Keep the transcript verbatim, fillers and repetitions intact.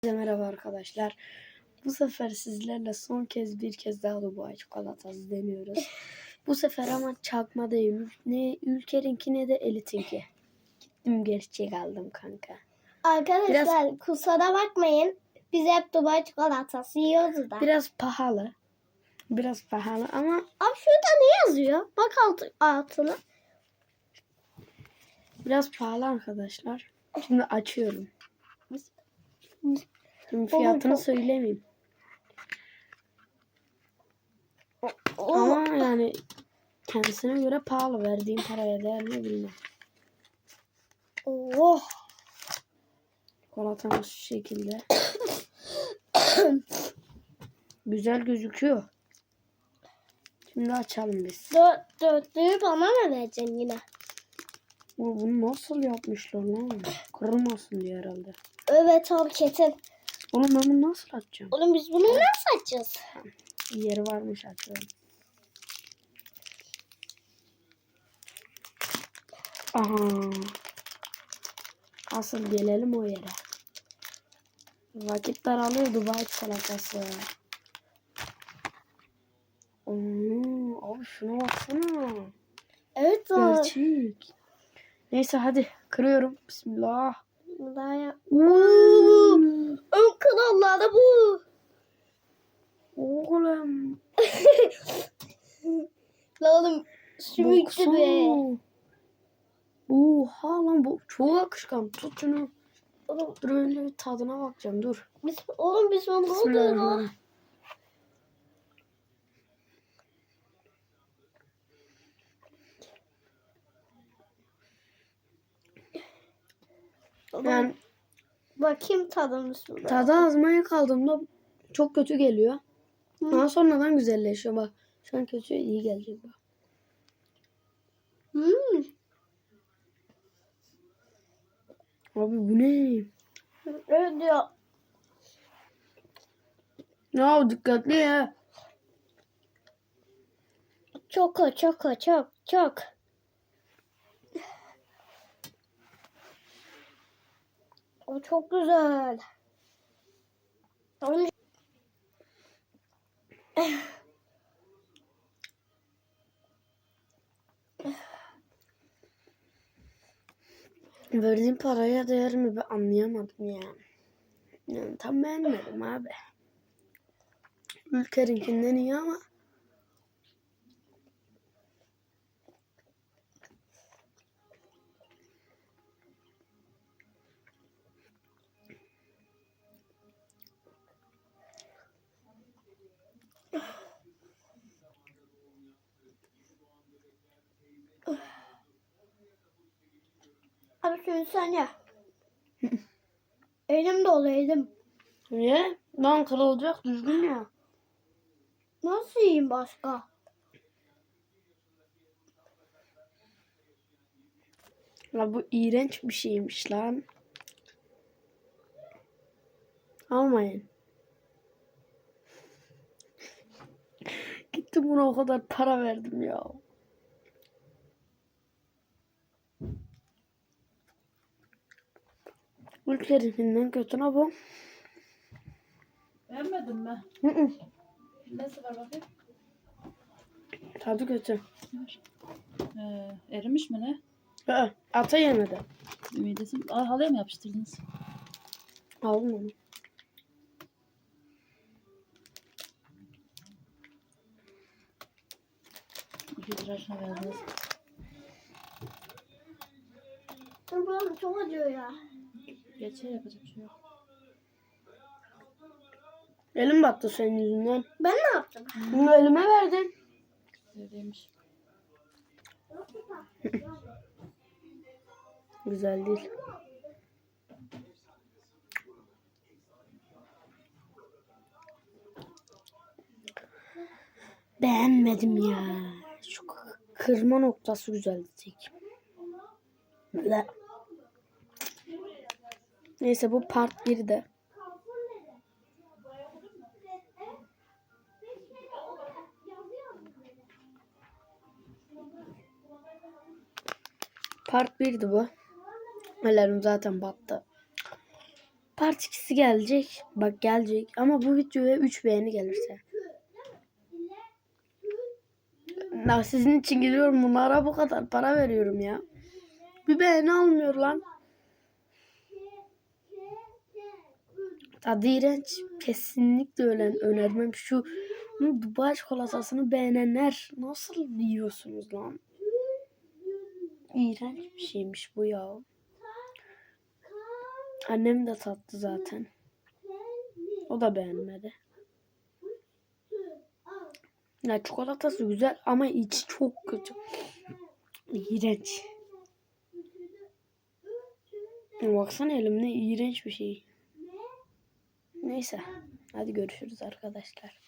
Merhaba arkadaşlar. Bu sefer sizlerle son kez bir kez daha Dubai çikolatası deniyoruz. Bu sefer ama çakma değil. Ne Ülker'inki ne de Elit'inki. Gittim gerçek aldım kanka. Arkadaşlar biraz, kusura bakmayın. Biz hep Dubai çikolatası yiyoruz da. Biraz pahalı. Biraz pahalı ama. Abi şurada ne yazıyor? Bak alt, altına. Biraz pahalı arkadaşlar. Şimdi açıyorum. Şimdi fiyatını Olur, söylemeyeyim. o, Ama yani kendisine göre pahalı. Verdiğim paraya değer mi bilmem. Oh. Çikolatamız şu şekilde. Güzel gözüküyor. Şimdi açalım biz. Dört, dörtlüğü bana mı vereceksin yine? O, bunu nasıl yapmışlar lan? Kırılmasın diye herhalde. Evet abi kesin. Oğlum ben bunu nasıl açacağım? Oğlum biz bunu nasıl açacağız? Yeri varmış açıyorum. Aha. Asıl gelelim o yere. Vakit daralıyor Dubai çikolatası. Oo, abi şuna baksana. Evet abi. Gerçek. Neyse hadi kırıyorum. Bismillah. Daha ya. Ön kanallarda bu. Oğlum. La oğlum sümüklü be. Oha lan bu çok akışkan. Tut şunu. Oğlum, Dur önce bir tadına bakacağım dur. biz, oğlum biz onu oluyor. Bismillahirrahmanirrahim. Yani Bakayım tadını şurada. tadı azmaya kaldığımda çok kötü geliyor. Hı. Daha sonradan güzelleşiyor bak. Şu an kötü iyi gelecek bak. Hmm. Abi bu ne? Evet ya. Ya dikkatli ya. Çok o, çok o, çok çok. O çok güzel. Onun... Verdiğim paraya değer mi ben anlayamadım ya. Yani tam beğenmedim abi. Ülker'inkinden iyi ama. Abi şunu sen ya. Elim dolu elim. Niye? Lan kırılacak düzgün ya. Nasıl yiyeyim başka? Ya bu iğrenç bir şeymiş lan. Almayın. Gittim buna o kadar para verdim ya. Ülkelerinden kötü ne bu? Beğenmedin mi? Hı hı. Nesi var bakayım? Tadı kötü. Ee, erimiş mi ne? Hı, ata yemedi. Ümidesi. Aa, halıya mı yapıştırdınız? Aldım onu. iki lira şuna verdiniz. Dur bana çok acıyor ya. Geçer yapacak bir şey yok. Elim battı senin yüzünden. Ben ne yaptım? Bunu elime verdin. Öyleymiş. Güzel değil. Beğenmedim ya. Şu kırma noktası güzel tek. Ble. Neyse bu part birde. Part birdi bu. Ellerim zaten battı. part ikisi gelecek. Bak gelecek. Ama bu videoya üç beğeni gelirse. Ya sizin için geliyorum. Bunlara bu kadar para veriyorum ya. Bir beğeni almıyor lan. Tadı iğrenç. Kesinlikle öyle önermem. Şu Dubai çikolatasını beğenenler nasıl yiyorsunuz lan? İğrenç bir şeymiş bu ya. Annem de tattı zaten. O da beğenmedi. Ya çikolatası güzel ama içi çok kötü. İğrenç. Baksana elimde iğrenç bir şey. Neyse. Hadi görüşürüz arkadaşlar.